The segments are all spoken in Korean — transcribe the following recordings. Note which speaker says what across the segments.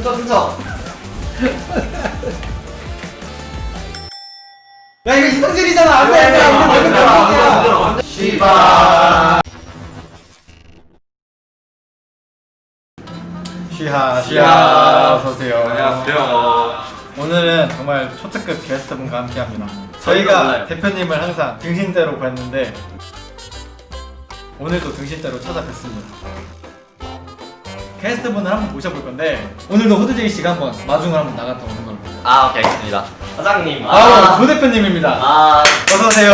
Speaker 1: 훔쳐.
Speaker 2: 야 이거 이성질이잖아. 안돼 안돼.
Speaker 1: 시바.
Speaker 2: 시하 어서오세요.
Speaker 1: 안녕하세요.
Speaker 2: 오늘은 정말 초특급 게스트분과 함께합니다.
Speaker 1: 저희가
Speaker 2: 저희가
Speaker 1: 몰라요.
Speaker 2: 대표님을 항상 등신대로 뵀는데 오늘도 등신대로 찾아뵙습니다. 게스트분을 한번 모셔볼 건데 오늘도 호두제이 씨가 한번 마중을 한번 나갔다 오는 걸로.
Speaker 1: 아, 오케이, 알겠습니다. 사장님.
Speaker 2: 조 대표님입니다.
Speaker 1: 아,
Speaker 2: 어서 오세요.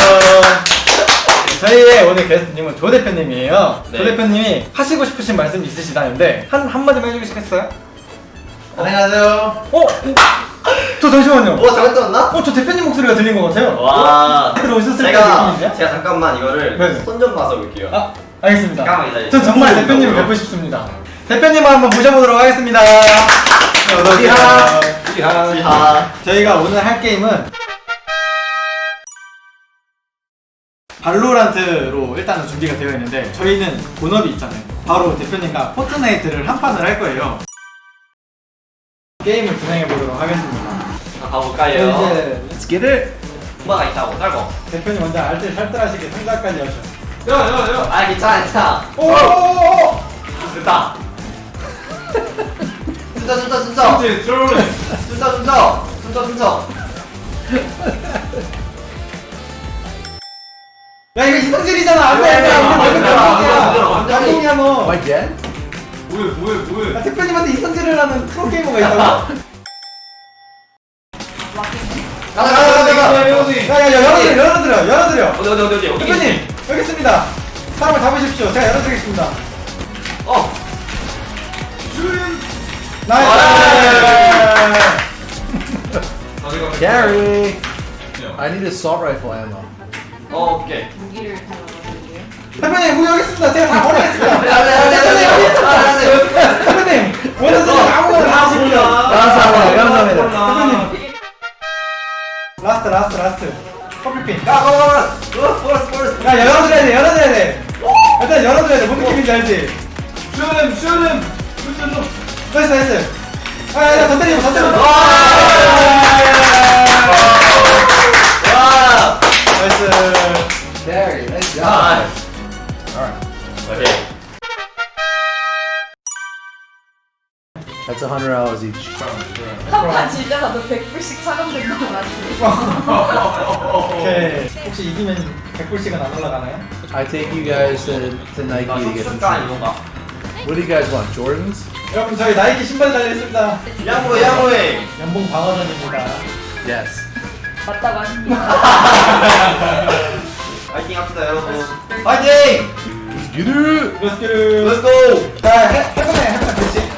Speaker 2: 저희의 오늘 게스트님은 조 대표님이에요.
Speaker 1: 네.
Speaker 2: 조 대표님이 하시고 싶으신 말씀 있으시다는데 한마디만 해주시겠어요?
Speaker 1: 안녕하세요.
Speaker 2: 저 잠시만요.
Speaker 1: 잘못 들었나?
Speaker 2: 저 대표님 목소리가 들린 것 같아요.
Speaker 1: 와.
Speaker 2: 들어오셨을 때 느낌이세요?
Speaker 1: 제가 잠깐만 이거를
Speaker 2: 네.
Speaker 1: 손 좀 봐서 올게요.
Speaker 2: 알겠습니다.
Speaker 1: 잠깐만 기다려주세요.
Speaker 2: 전 정말 대표님을 뵙고 싶습니다. 대표님을 한번 모셔보도록 하겠습니다. 어서 오세요.
Speaker 1: 시하.
Speaker 2: 저희가 오늘 할 게임은 발로란트로 일단은 준비가 되어 있는데 저희는 본업이 있잖아요. 바로 대표님과 포트나이트를 한 판을 할 거예요. 게임을 진행해 보도록 하겠습니다.
Speaker 1: 가볼까요?
Speaker 2: 이제 Let's get it!
Speaker 1: 엄마가 있다고 딸고.
Speaker 2: 대표님 먼저 알뜰살뜰하시게 상자까지 하셨어요.
Speaker 1: 아, 괜찮아.
Speaker 2: 오오오오!
Speaker 1: 됐다. 진짜.
Speaker 2: 야 이거 이성질이잖아. 안돼 안돼. 야 너.
Speaker 3: Again?
Speaker 1: 뭐해?
Speaker 2: 야, 대표님한테 이성질을 하는 프로게이머가 있다고?
Speaker 1: 가자.
Speaker 2: 열어드려.
Speaker 1: 어디.
Speaker 2: 대표님 여기 있습니다. 사람을 잡으십시오. 제가 열어드리겠습니다. 나이스.
Speaker 3: Gary! I need assault rifle ammo.
Speaker 1: 오케이.
Speaker 4: 무기를 달아드릴게요.
Speaker 2: 대표님 우리 여기 있습니다. 제가 다 버리겠습니다.
Speaker 1: 네.
Speaker 2: 대표님 원하시는 아무거나 다 하십시오.
Speaker 3: 감사합니다.
Speaker 2: 대표님 라스트 커피핀.
Speaker 1: 포레스.
Speaker 2: 야 열어드려야 돼. 일단 열어드려야 돼. 뭔 느낌인지 알지? 슈름. 나이스. 야 더 때리고.
Speaker 1: 와.
Speaker 2: 나이스.
Speaker 3: Gary, nice job.
Speaker 1: 아.
Speaker 3: Alright.
Speaker 1: 오케이.
Speaker 3: That's $100 each.
Speaker 4: 한판 질 때마다 100불씩 차감된다고 하시네요.
Speaker 2: 오케이. 혹시 이기면 100불씩은 안 올라가나요?
Speaker 3: I take you guys to Nike to get some
Speaker 1: 가
Speaker 3: shoes.
Speaker 1: 이건가?
Speaker 3: What do you guys want? Jordans?
Speaker 2: 여러분 저희 나이키 신발 달려있습니다.
Speaker 1: 양보해.
Speaker 2: 연봉 방어전입니다.
Speaker 3: Yes.
Speaker 4: 맞다고 하십니다.
Speaker 1: 파이팅 합시다 여러분.
Speaker 2: 파이팅!
Speaker 3: Get it!
Speaker 2: Let's get it!
Speaker 1: Let's go.
Speaker 2: 자 해보네 그렇지.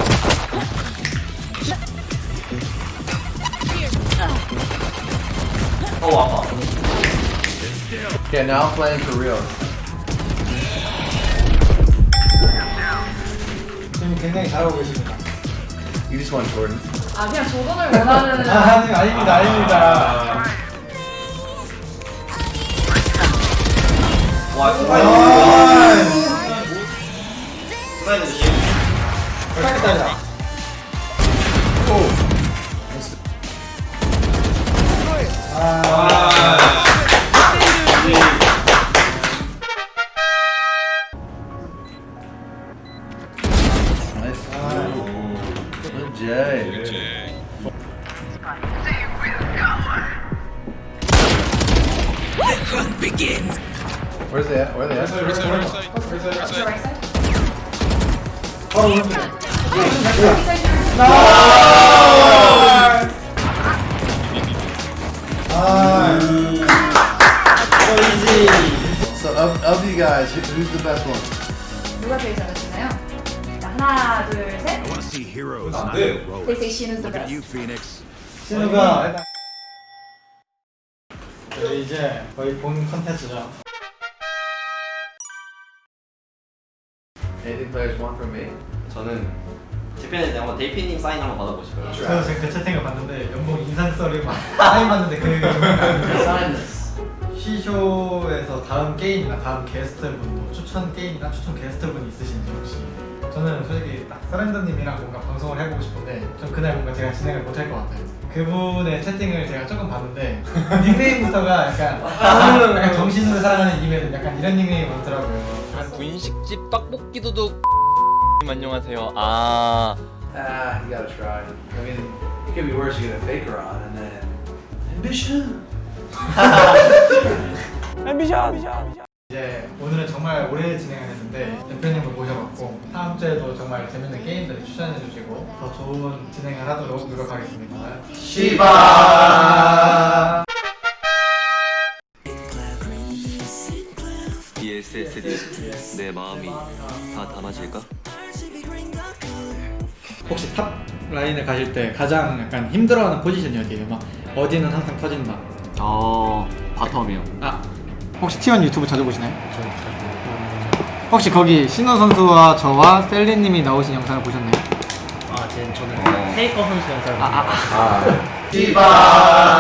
Speaker 1: 아파.
Speaker 3: Okay, now I'm playing for real.
Speaker 2: 지금 굉장히 잘하고 계십니다.
Speaker 3: You just want Jordans?
Speaker 4: 아 그냥 조던을 원하는.
Speaker 2: 아닙니다.
Speaker 1: 와,
Speaker 2: 아,
Speaker 1: 스파이더 조심.
Speaker 2: 잘했다.
Speaker 3: Nice. Good Jay. Where's they at? Where are they at?
Speaker 4: right side?
Speaker 2: 바로 오른쪽.
Speaker 4: right side.
Speaker 3: So of you guys, who's the best one?
Speaker 4: 누가 제일 잘하시나요? 자, 하나, 둘, 셋.
Speaker 5: I want to see heroes, not
Speaker 1: 네.
Speaker 5: heroics.
Speaker 4: They say Shin is the
Speaker 5: Look at you,
Speaker 4: best.
Speaker 5: Phoenix.
Speaker 2: 신우가 이제 거의 본 컨텐츠죠.
Speaker 3: Anything players want from me?
Speaker 1: 저는 대표님 한번 데이피님 사인 한번 받아보고 싶어요.
Speaker 2: 저 지금 그 채팅을 봤는데 연봉 인상서를 막 사인 받는데 그
Speaker 3: Sign this.
Speaker 2: 시쇼에서 다음 게임이나 다음 게스트분 뭐 추천 게임이나 추천 게스트분 있으신지 혹시 저는 솔직히 딱 서렌더님이랑 뭔가 방송을 해보고 싶은데 좀 그날 뭔가 제가 진행을 못할 것 같아요. 그분의 채팅을 제가 조금 봤는데 닉네임부터가 약간 정신으로 살아가는 이메일 약간 이런 닉네임이 많더라고요.
Speaker 5: 분식집 떡볶이 도둑 안녕하세요. 아
Speaker 3: You gotta try. I mean, it could be worse. You get a faker on, and then ambition.
Speaker 2: 이제 오늘은 정말 오래 진행을 했는데 대표님을 모셔봤고 다음 주에도 정말 재밌는 게임들을 추천해 주시고 더 좋은 진행을 하도록 노력하겠습니다. 시바.
Speaker 6: 이 SSD 내 마음이 다 담아질까?
Speaker 2: 혹시 탑 라인을 가실 때 가장 약간 힘들어하는 포지션이 어디예요? 막 어디는 항상 터진다.
Speaker 5: 바텀이요.
Speaker 2: 아 혹시 T1 유튜브 자주 보시나요? 혹시 거기 신호 선수와 저와 셀리님이 나오신 영상을 보셨나요?
Speaker 7: 저는 테이커 선수 영상을
Speaker 2: 시바.